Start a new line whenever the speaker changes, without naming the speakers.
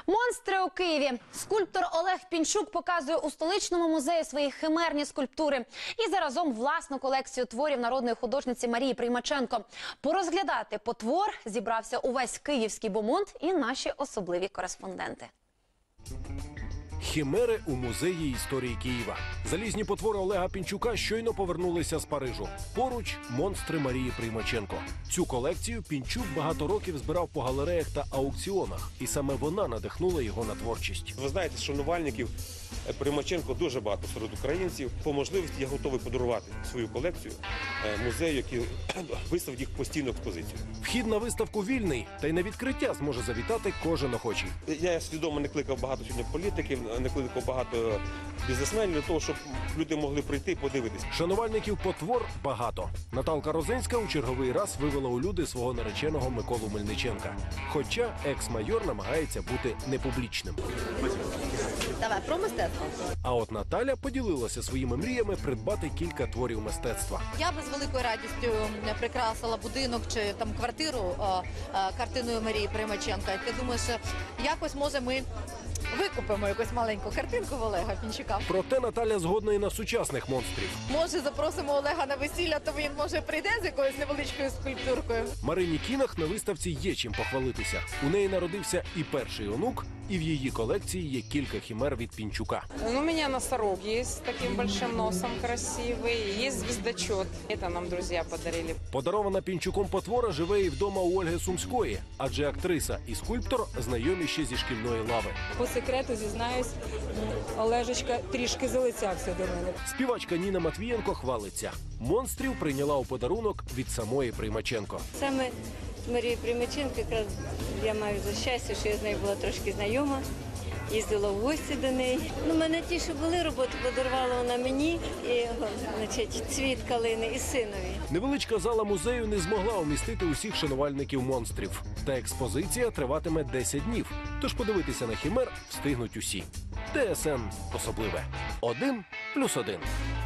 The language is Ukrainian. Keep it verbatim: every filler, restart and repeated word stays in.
Монстри у Києві. Скульптор Олег Пінчук показує у столичному музеї свої химерні скульптури і заразом власну колекцію творів народної художниці Марії Приймаченко. Порозглядати потвор зібрався увесь київський бомонд і наші особливі кореспонденти.
Химери у музеї історії Києва. Залізні потвори Олега Пінчука щойно повернулися з Парижу. Поруч – монстри Марії Приймаченко. Цю колекцію Пінчук багато років збирав по галереях та аукціонах. І саме вона надихнула його на творчість.
Ви знаєте, шанувальників Приймаченко дуже багато серед українців. По можливості я готовий подарувати свою колекцію музею, який виставить їх постійну експозицію.
Вхід на виставку вільний, та й на відкриття зможе завітати кожен охочий.
Я свідомо не кликав багато сьогодні політиків, не кликав багато бізнесменів для того, щоб люди могли прийти і подивитися.
Шанувальників потвор багато. Наталка Розинська у черговий раз вивела у люди свого нареченого Миколу Мельниченка. Хоча екс-майор намагається бути непублічним.
Давай, про мистецтво.
А от Наталя поділилася своїми мріями придбати кілька творів мистецтва.
Я би з великою радістю прикрасила будинок чи там квартиру а, а, картиною Марії Приймаченка. Я думаю, що якось, може, ми викупимо якусь маленьку картинку в Олега Пінчука.
Проте Наталя згодна і на сучасних монстрів.
Може, запросимо Олега на весілля, то він, може, прийде з якоюсь невеличкою скульптуркою.
Марині Кінах на виставці є чим похвалитися. У неї народився і перший онук, і в її колекції є кілька химер від Пінчука.
Ну, у меня носорог есть с таким большим носом красивый, есть звездочет. Это нам друзья подарили.
Подарована Пінчуком потвора живе і вдома у Ольги Сумської, адже актриса і скульптор знайомі ще зі шкільної лави.
По секрету зізнаюсь, Олежечка трішки залицявся до мене.
Співачка Ніна Матвієнко хвалиться. Монстрів прийняла у подарунок від самої Приймаченко.
Саме з Марією Приймаченко якраз я маю за щастя, що я з нею була трошки знайома. Їздила в гості до неї. Ну, мене ті, що були роботи, подарувала вона мені, і, значить, цвіт калини і синові.
Невеличка зала музею не змогла умістити усіх шанувальників монстрів. Та експозиція триватиме десять днів. Тож подивитися на химер встигнуть усі. ТСН особливе. Один плюс один.